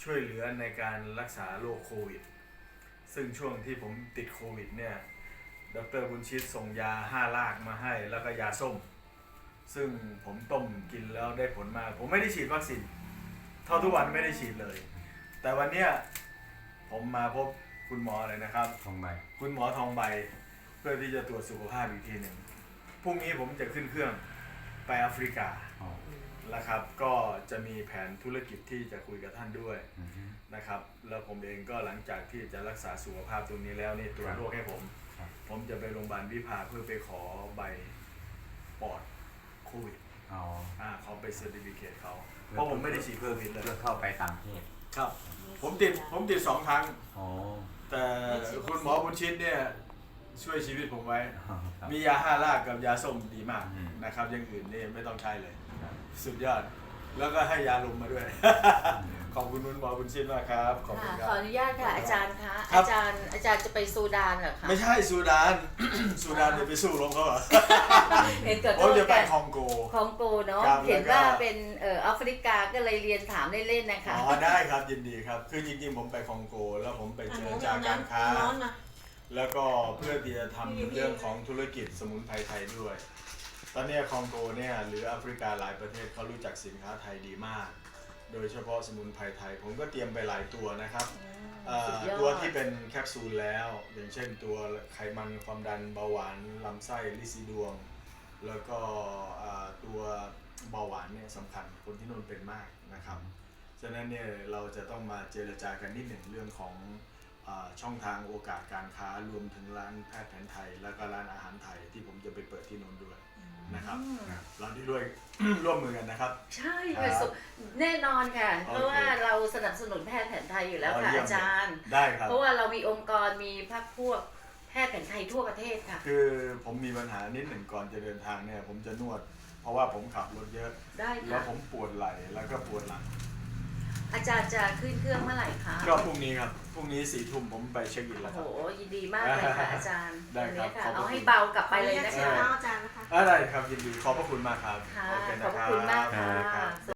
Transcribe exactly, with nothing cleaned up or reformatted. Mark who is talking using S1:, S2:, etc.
S1: ช่วยเหลือในการรักษาโรคโควิดซึ่งช่วงที่ผมติดโควิดเนี่ยดรบุญชิตส่งยาห้าลากมาให้แล้วก็ยาส้มซึ่งผมต้มกินแล้วได้ผลมากผมไม่ได้ฉีดวัคซีนเท่าทุกวันไม่ได้ฉีดเลย แต่วันเนี้ยผมมาพบคุณหมอเลยนะครับ
S2: ทองใบ
S1: คุณหมอทองใบเพื่อที่จะตรวจสุขภาพอีกทีหนึ่งพรุ่งนี้ผมจะขึ้นเครื่องไปแอฟริกานะครับก็จะมีแผนธุรกิจที่จะคุยกับท่านด้วยนะครับแล้วผมเองก็หลังจากที่จะรักษาสุขภาพตรงนี้แล้วนี่ตรวจโรคให้ผมผมจะไปโรงพยาบาลวิภาเพื่อไปขอใบปอดโควิด
S2: อ๋อ
S1: อ่าเขาไปเซอร์ติฟิเคตเขาเพราะผมไม่ได้ฉีดโควิดเลย
S2: เพื่อเข้าไปต่างประเทศ
S1: ครับผมติดผมติดสองครั้ง
S2: อ๋อ
S1: แต่คุณหมอบุญชิตเนี่ยช่วยชีวิตผมไว้ มียาห้าลากกับยาส้มดีมากนะครับอย่างอื่นนี่ไม่ต้องใช้เลยสุดยอดแล้วก็ให้ยาลมมาด้วย ขอบคุณคุณหมอบุญชิตมากครับขอบคุณครับ
S3: ขออนุญาตค่ะอาจารย์คะอาจารย์อาจารย์จะไปซูดานเหรอคะ
S1: ไม่ใช่ซูดาน ซูดานเดี๋ยวไปสู้รบเขาเหรอ
S3: เห็นเกิด
S1: ผมจะไปคองโก
S3: คองโกเนาะเห็นว่าเป็นเอ่อแอฟริกาก็เลยเรียนถามเล่นๆนะคะ
S1: อ๋อได้ครับยินดีครับคือจริงๆผมไปคองโกแล้วผมไปเจรจาการค้าแล้วก็เพื่อที่จะทำเรื่องของธุรกิจสมุนไพรไทยด้วยตอนนี้คองโกเนี่ยหรือแอฟริกาหลายประเทศเขารู้จักสินค้าไทยดีมากโดยเฉพาะสมุนไพรไทยผมก็เตรียมไปหลายตัวนะครับตัวที่เป็นแคปซูลแล้วอย่างเช่นตัวไขมันความดันเบาหวานลำไส้ลิซิดวงแล้วก็ตัวเบาหวานเนี่ยสำคัญคนที่นู่นเป็นมากนะครับฉะนั้นเนี่ยเราจะต้องมาเจรจากันนิดหนึ่งเรื่องของช่องทางโอกาสการค้ารวมถึงร้านแพทย์แผนไทยแล้วก็ร้านอาหารไทยที่ผมจะไปเปิดที่นนท์ด้วยนะครับเราที่ด้วย ร่วมมือกันนะครับ
S3: ใช่ค่ะแน่นอนค่ะเพราะว่าเราสนับสนุนแพทย์แผนไทยอยู่แล้วค่ะอาจารย์
S1: ได้ครับ
S3: เพราะว่าเรามีองค์กรมีพรรคพวกแพทย์แผนไทยทั่วประเทศค่ะ
S1: คือผมมีปัญหานิดหนึ่งก่อนจะเดินทางเนี่ยผมจะนวดเพราะว่าผมขับรถเยอะ
S3: ได้ค่ะ
S1: แล้วผมปวดไหล่แล้วก็ปวดหลัง
S3: อาจารย์จะขึ้นเครื่องเมื่อไหร่คะ
S1: ก็พรุ่งนี้ครับพรุ่งนี้สี่ทุ่มผมไปเช็คอินแล้วครับ
S3: โอ้โหยินดีมากเลยค่ะอาจารย์
S1: ได้ครับ
S3: เอาให้เบากลับไปเลยนะคะ
S4: อาจารย์นะคะ
S1: ได้ครับยินดีขอบพระคุณมากครับ
S3: ขอบพระคุณมากค่ะ